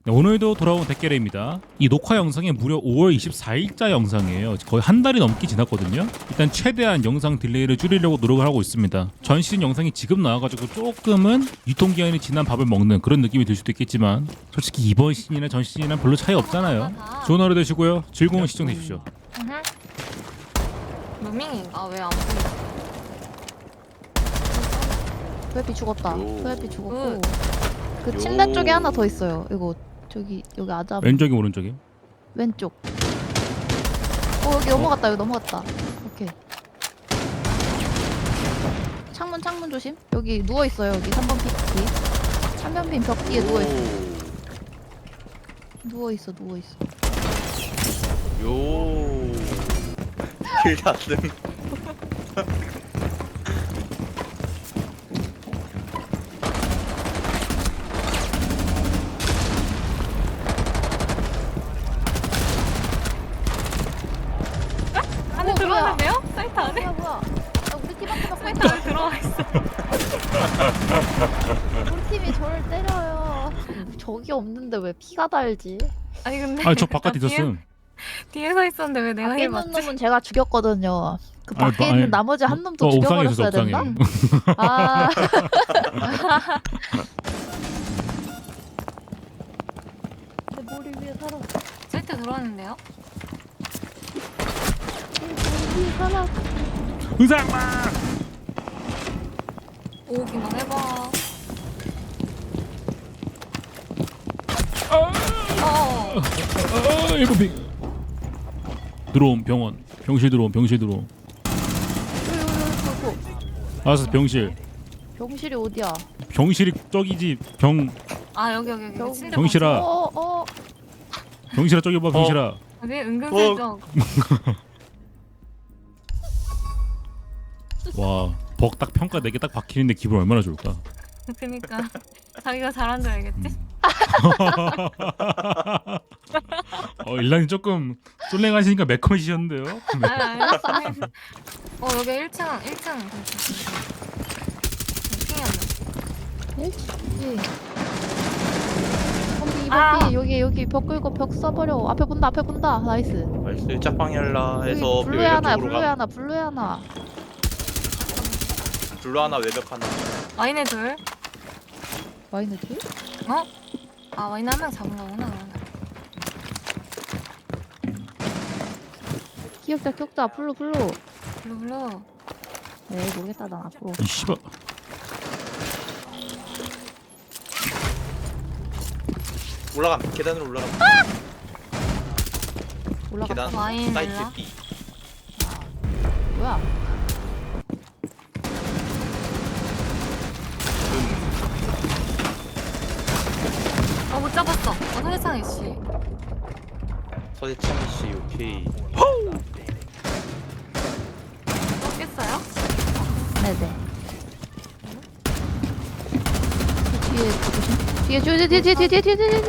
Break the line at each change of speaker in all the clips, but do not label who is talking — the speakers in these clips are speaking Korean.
네, 오늘도 돌아온 댓글입니다. 이 녹화 영상이 무려 5월 24일자 영상이에요. 거의 한 달이 넘게 지났거든요. 일단 최대한 영상 딜레이를 줄이려고 노력을 하고 있습니다. 전 시즌 영상이 지금 나와가지고 조금은 유통기한이 지난 밥을 먹는 그런 느낌이 들 수도 있겠지만 솔직히 이번 시즌이나 전 시즌이랑 별로 차이 없잖아요. 좋은 하루 되시고요. 즐거운 시청 되십시오.
루밍인가? 왜 안 보이지?
VIP 죽었다.
요.
VIP 죽었고 그 침대 쪽에 하나 더 있어요. 이거 저기 여기 아자
왼쪽이 오른쪽이?
왼쪽. 여기 넘어갔다. 여기 넘어갔다. 오케이. 창문 조심. 여기 누워 있어요. 여기 3번 핀 뒤. 3번 핀 벽 뒤에 누워 있어. 누워 있어.
요. 길 닫음.
안에 들어왔는데요? 사이트 안에?
뭐야? 야, 우리 팀 앞에 막
사이트 안에 들어와 있어.
우리 팀이 저를 때려요. 적이 없는데 왜 피가 달지?
아니 근데
아 저 바깥에 있었음.
뒤에 서 있었는데 왜 내가
밖에
힐
있는
맞지?
놈은 제가 죽였거든요. 그
아니,
밖에
아니,
있는 나머지 한 놈도
옥상에 있었어
죽여버렸어야
옥상에.
된다? 아. 내 머리 위에 살아.
사이트 들어왔는데요?
내 머리 위에 살아.
의상마!
오기만 해봐.
일곱 핑. 들어옴 병원. 병실 들어옴.
요요요요.
알았어 병실.
병실이 어디야?
병실이 저기지 병.
아 여기
경-
침대
경실아. 병실아 저기 봐 병실아.
방금. 왜 은근슬쩍
와 벅 딱 평가 4개 딱 박히는데 기분 얼마나 좋을까.
그니까 자기가 잘한 줄 알겠지?
일란이 조금 쏠랭하시니까 매콤해지셨는데요.
알았어. 여기 1층 핑이었네.
거기 여기 벽 끌고 벽 써버려. 앞에 본다. 나이스.
나이스 짝방열라
여기
해서
블루에 하나,
쪽으로
블루에 하나.
블루 하나 외벽 하나.
와인에 둘.
와인드?
어? 아 와인 한 명 잡은 거구나.
기억자. 블루.
블루.
네, 모르겠다. 난 앞으로.
이 씨발.
올라감. 계단으로 올라감.
올라가.
계단.
와인
사이트
엘라?
B.
뭐야?
못 잡았어. 세상에 씨.
서재창 씨 오케이.
깼어요?
네네. 뒤에.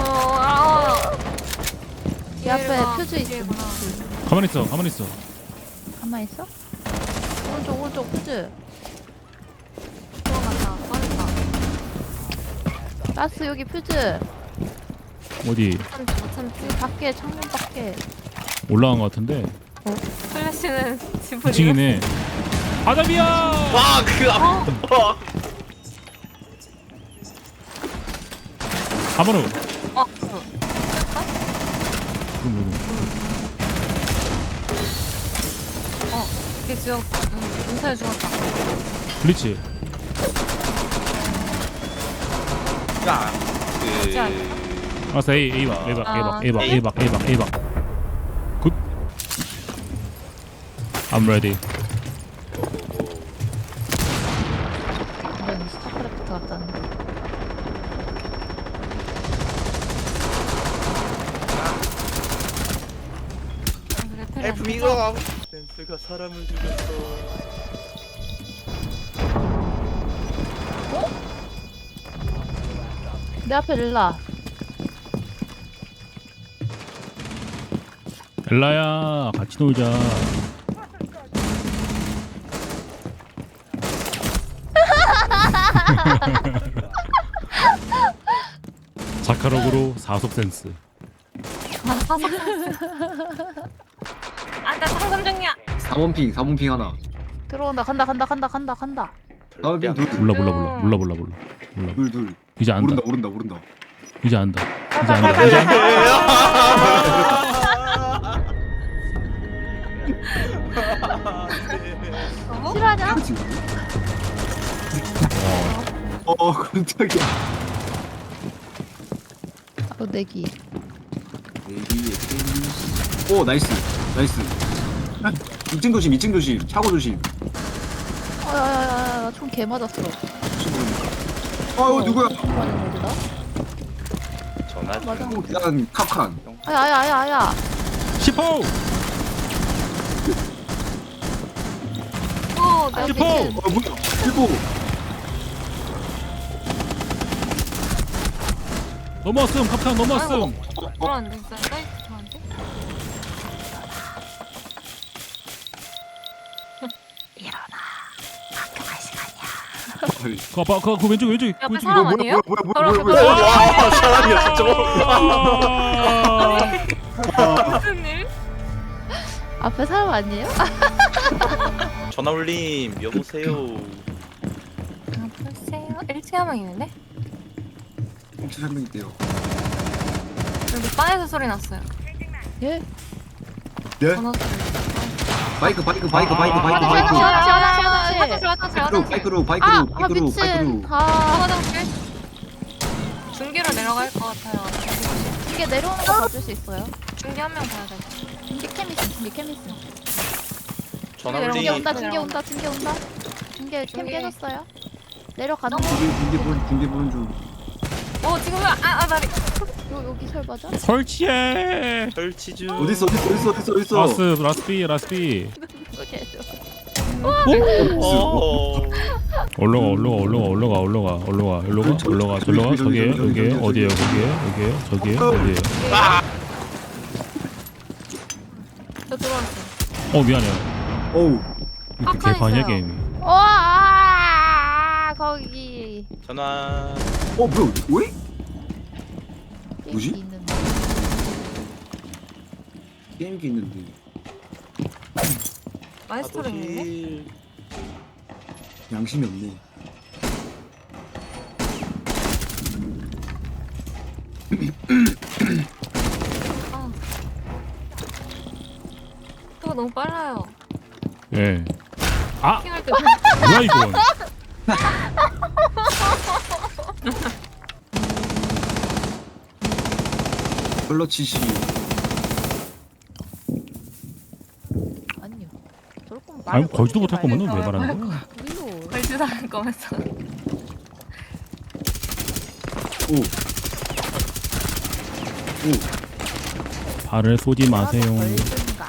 이 앞에 표지 있어.
가만히 있어.
가만 있어? 오른쪽 표지.
들어갔다. 빠졌다.
가스 여기 표지.
어디
참지.
여기 밖에 창문 밖에.
올라간 것 같은데.
플래시는 집을
2층이네. 아담이야.
와, 그 앞.
가만히.
어. 이게 죽었다. 인터넷 죽었다.
블리치.
야.
진짜.
알았어 A 박. 굿. I'm ready.
이런 스타크래프트 같다는.
F 미가 댄스가 사람을 죽였어.
내 앞에 릴라.
엘라야 같이 놀자. 날카로우로 사속 센스.
아 사석. 아나 상점 중이야.
4번 핑 하나.
들어온다. 간다.
다음 핑 둘.
몰라.
둘.
이제 안다.
모른다.
이제 안다.
실화냐?
깜짝이야.
내기.
오, 나이스. 2층 조심. 차고 조심.
야야야야, 총 개 맞았어.
누구야?
맞은 어디다?
전화 중.
맞아.
일단 캅칸.
아야.
10호.
오 내가
슈퍼!
미친.
뭐야? 일보.
넘어왔음. 카프탄 넘어왔음.
그런데 진짜 사이트 좋아한데?
그 왼쪽.
옆에 사람 아니에요?
와 사람이었어 저거.
무슨 일?
앞에 사람 아니에요?
전화 울림 여보세요.
글쎄요 1층에 한 명 있는데?
혹시 한명 있대요.
여기 바에서 소리 났어요.
예?
네?
전화 소리.
바이크.
화장실
바이크로.
미친.
화장실? 중계로 내려갈 것 같아요.
이게 내려오는 거 봐줄 수 있어요?
중계 한 명 봐야 돼.
중계 캠 있음.
전화
중계
중계
울림.
온다. 중계 캠 깨졌어요. 내려가는 거.
중계 보는 중.
지금 다리.
여기 설바죠?
설치해.
설치 중.
어딨어?
라스비.
오케이.
올라가. 저기에요. 어디에요? 저기에요.
저 들어왔어요.
미안해요.
어우.
이렇게
팝콘
개판이야
있어요.
게임이.
거기.
전화.
뭐야? 왜? 뭐지?
게임기 있는데.
게임기 있는데.
마이스터로 있는데?
양심이 없네.
또 너무 빨라요.
예.
킹할 때
뭐야 이건?
클러치시.
아니요. 저럴 거면
아니
말을
걸지도
꺼내지
못할 거면은 왜
말고.
말하는 거야?
말고.
걸지도 않을 거면서.
발을 쏘지 마세요.
걸든가.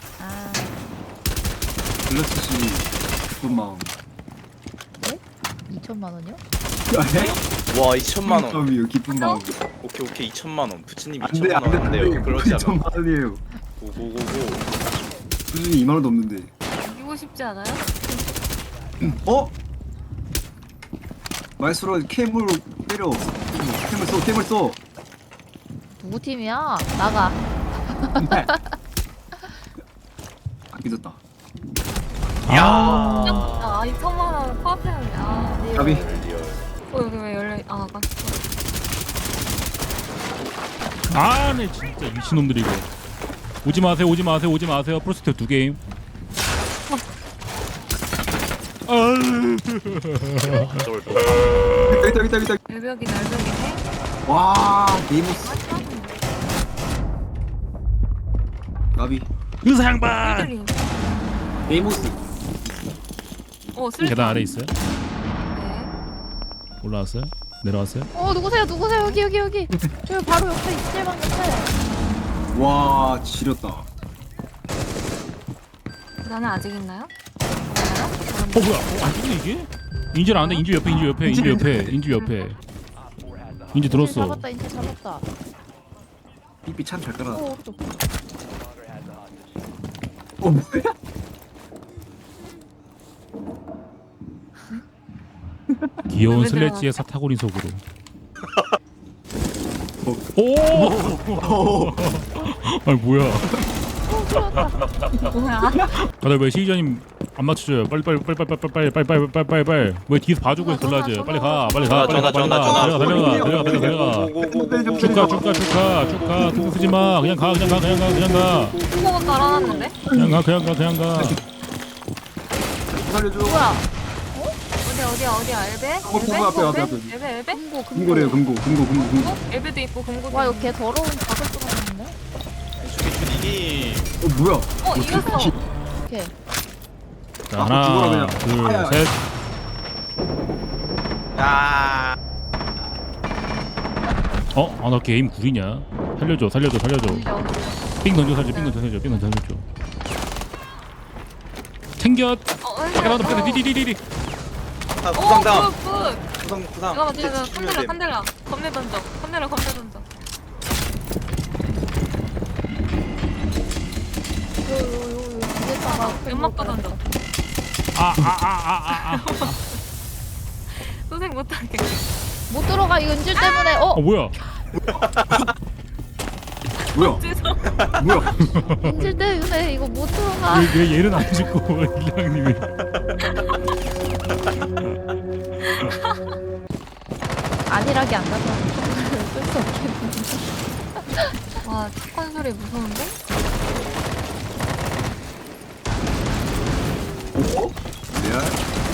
클러치시. 기쁜 마음.
2천만 원이요?
와 2천만 원.
마음이요. 기쁜 마음.
오케이 2천만 원. 부츠님
안돼
2천만 원 한대요. 그러지 않아.
2천만 원이에요.
고고고고.
수준이 2만 원도 없는데.
이기고 싶지 않아요?
말수로 캠으로 때려. 캠을 써.
누구 팀이야? 나가.
삐졌다.
아 2천만 원 코앞에는
가비.
여기 왜 열려? 아까
네 진짜 미친놈들이 이거. 오지 마세요. 프로스트 2게임.
저걸 또.
있다.
외벽이 날벽이네.
와, 네이모스. 나비.
의사양반.
흔들림.
네이모스.
슬.
계단 아래 있어요?
네.
올라왔어요? 내려왔어요?
누구세요? 여기. 저 바로 옆에 있을 방 옆에.
와, 지렸다.
나는 아직 있나요?
뭐야? 근데 이게? 인질 안 돼. 인질 옆에. 인질 들었어.
인체 잡았다.
삐삐 참 잘 깔아.
오른쪽.
뭐야?
귀여운
왜
슬래지의 사타구니 속으로. 오! 아니 뭐야?
뭐야?
다들 왜 시기자님 안 맞춰줘요? 빨리. 왜 뒤에서 봐주고 돌라줘요? 빨리 가. 달려가. 축하. 등 쓰지 마. 그냥 가.
콩고가 깔아놨는데?
그냥 가.
살려줘.
뭐야?
어디야? 엘베?
콩고 앞에.
엘베?
금고래요 금고.
엘베도 있고 금고도
와
있고.
이거 개 더러운 작을 뚫었는데?
이기.
뭐야?
이겼어.
오케이.
자, 하나, 둘, 셋.
야.
나 게임 구리냐? 살려줘. 삥 던져 살려줘. 챙겨. 밖에 나와도 디디디디.
아 부상당.
굿.
부상.
잠깐만, 컨델라. 겁내 던져.
요 위에다가
연막도 던져.
아.
소생 못하게.
못 들어가 이거 인질 때문에.
뭐야?
뭐야?
인질 때문에 이거 못 들어가.
왜 얘는 안 죽고 일랑님이?
안일하게 안 간다는 쓸수 없겠네.
와, 치권 소리 무서운데?
레알.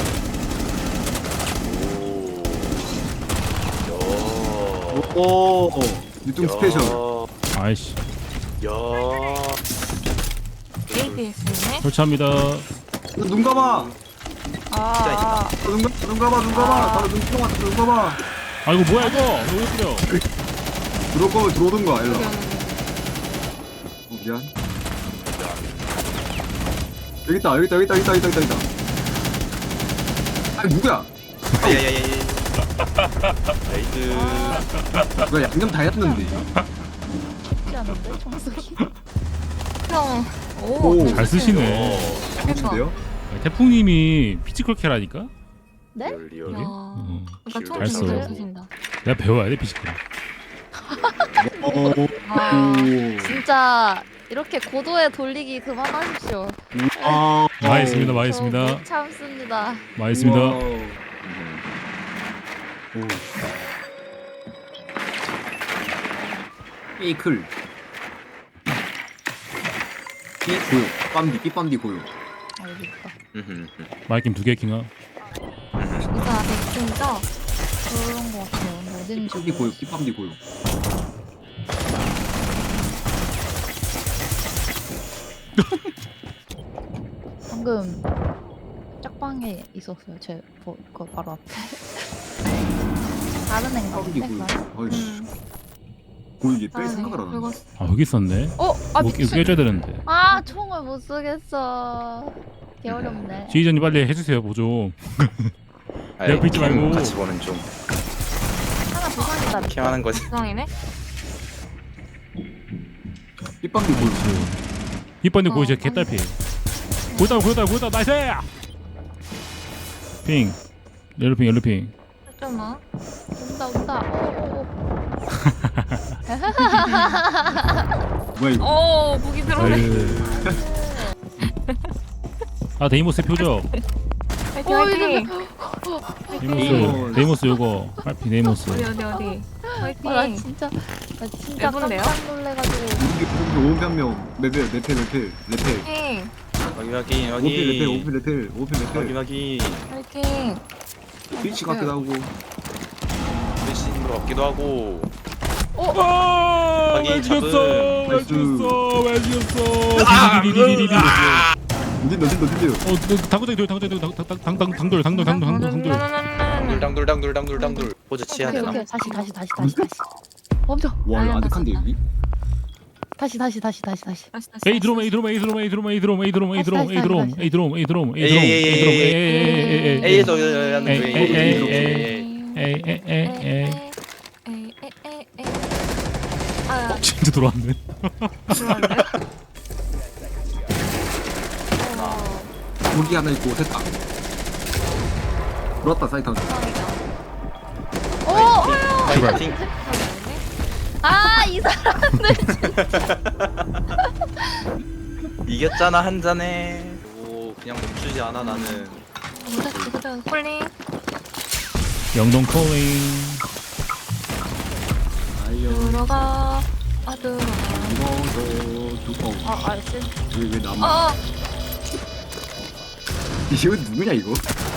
오. 유통 스페셜.
아이씨.
야.
APS네?
설치합니다.
눈 감아. 눈 감아. 바로 눈 감아.
아이고 뭐야 이거? 왜 그래요?
들어올 거면 들어오든가 일로. 미안. 여기 있다. 아니 누구야?
야야야야. 나이스.
누가 양념 다 했는데.
쉽지 않은데 청소기.
형,
오,
잘 쓰시네.
좋은데요?
태풍님이 피지컬캐라니까?
네?
리얼.
야,
어.
그러니까
잘 써.
잘 쓰신다.
내가 배워야 돼 피지컬.
아,
진짜 이렇게 고도의 돌리기 그만하십시오.
많이했습니다.
못 참습니다.
많이했습니다.
페이클. 삐빰디 고요.
아 여기 있다.
마이킴 2개 킹아.
이사 백승이죠?
그런 거 같아요. 근데 어딘지
삐 고요. 삐빰디 고요.
방금 짝방에 있었어요. 그 바로 앞에. 다른 애인가
삐빰디
본데?
고요. 어이씨. 고이게 뺄
아,
생각을 안 하네.
그리고
아 여기 있었네.
아
뭐
미친.
깨줘야 되는데.
아 총을 못 쏘겠어. 개 어렵네.
지휘자님 빨리 해주세요 뭐 좀.
아이,
옆에 있지 말고.
같이 보는 좀
하나 부상이다.
캠하는 거지.
구성이네?
삐빰디 고요.
이번에 보이죠 개딸피. 보다 나이스. 핑. 옐로핑.
잠깐만.
온다.
뭐야 이거?
오, 무기 들어오네.
데이모스 표죠.
화이팅!
데이모스 요거. 빨피 데이모스.
어디?
나
화이팅!
진짜
매분데요?
깜짝 놀래가지고.
오피 한 명. 레펠.
화이팅!
확인.
오피 레펠.
확인.
화이팅!
스위치 같기도 하고.
대신 것 같기도 하고.
왜
확인,
죽였어? 왜 죽였어? 디디디디디디디.
어딘데?
당돌.
둘당둘. 포즈 취해야 되나?
오케이. 다시. 멈춰.
와 이거 아득한데 여기?
다시.
다시.
A 드롬.
A에서
아,
진짜 돌아왔네.
들어왔네.
고기 하나 있고 됐다. 들어왔다 사이트.
출발.
파이팅.
아, 이 사람들.
이겼잖아 한 잔에. 오 그냥 멈추지 않아 나는.
보자. 폴링.
영동 콜링.
아이요.
들어가. 들어가.
이거도 두꺼워. 왜 남아? 이거 누구냐 이거?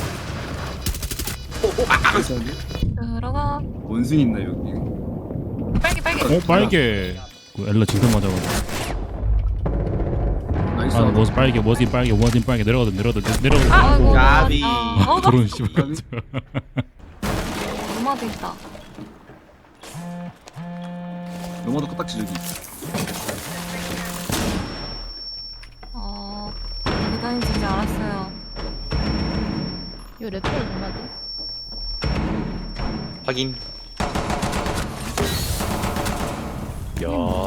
들어가.
원숭이 있나 여기?
빨개.
빨개. 그 엘라 진짜 맞아가지고.
나이스.
무슨 빨개, 뭐지 빨개, 뭐진 빨개 내려가든.
아이고.
까비.
드론 씨발.
노마드 있다.
너마도 코딱지 저기.
계단인지 이제 알았어요.
요 래퍼 누나지?
확인. 야.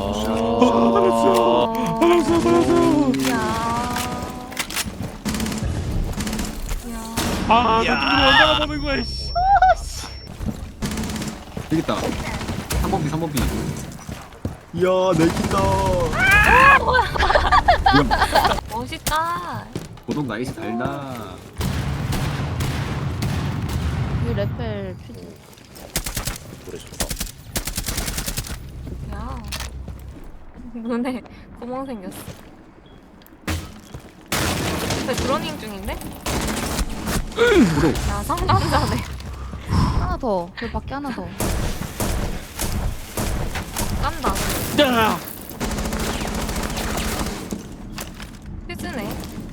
아, 나 누구 언제가 보는 거야, 씨.
여기 있다. 3번 비. 이야 내킨다.
멋있다.
고독 나이스 달다.
요 래펠 퓨즈.
노래 좋다.
야. 눈에 구멍 생겼어. 근데 드러닝 중인데?
고독.
야, 상남자네.
하나 더. 그 밖에 하나 더.
깐다. 퓨즈네.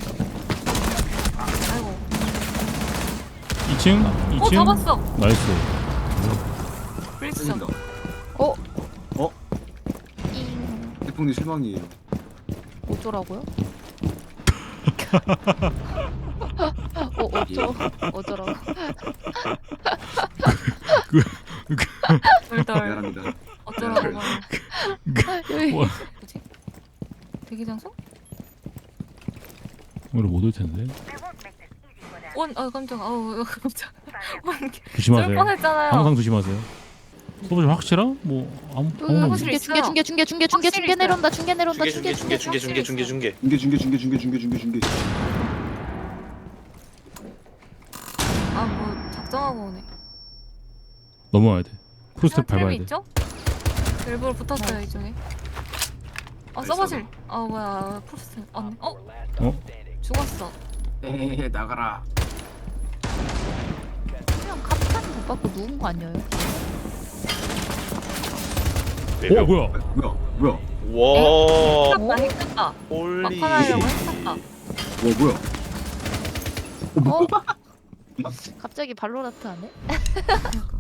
아이고.
2층.
잡았어.
나이스.
브리스
땡긴다.
잉.
태풍님 실망이에요.
어쩌라고요? 어쩌라고?
돌돌.
미안합니다.
어쩌라고 말.
여기.
와,
뭐지? 대기 장소?
오늘 못 올 텐데.
깜짝아. 깜짝.
조심하세요.
뻔했잖아요.
항상 조심하세요. 소보지 확실하? 뭐 아무.
사무실에 있어요.
중계 내려온다. 중계 내려온다.
중계.
중계.
뭐 작정하고 오네.
넘어와야 돼. 프로스텝 밟아야 돼.
있죠? 일부러 붙었어요 이쪽에. 서버실. 뭐야 프로스트. 죽었어.
에 나가라.
그냥 카피탄 못 받고 누운 거 아니에요?
뭐야?
와.
많이 켰다.
홀리.
막판 하려고 했었다.
뭐야?
갑자기 발로라트 하네?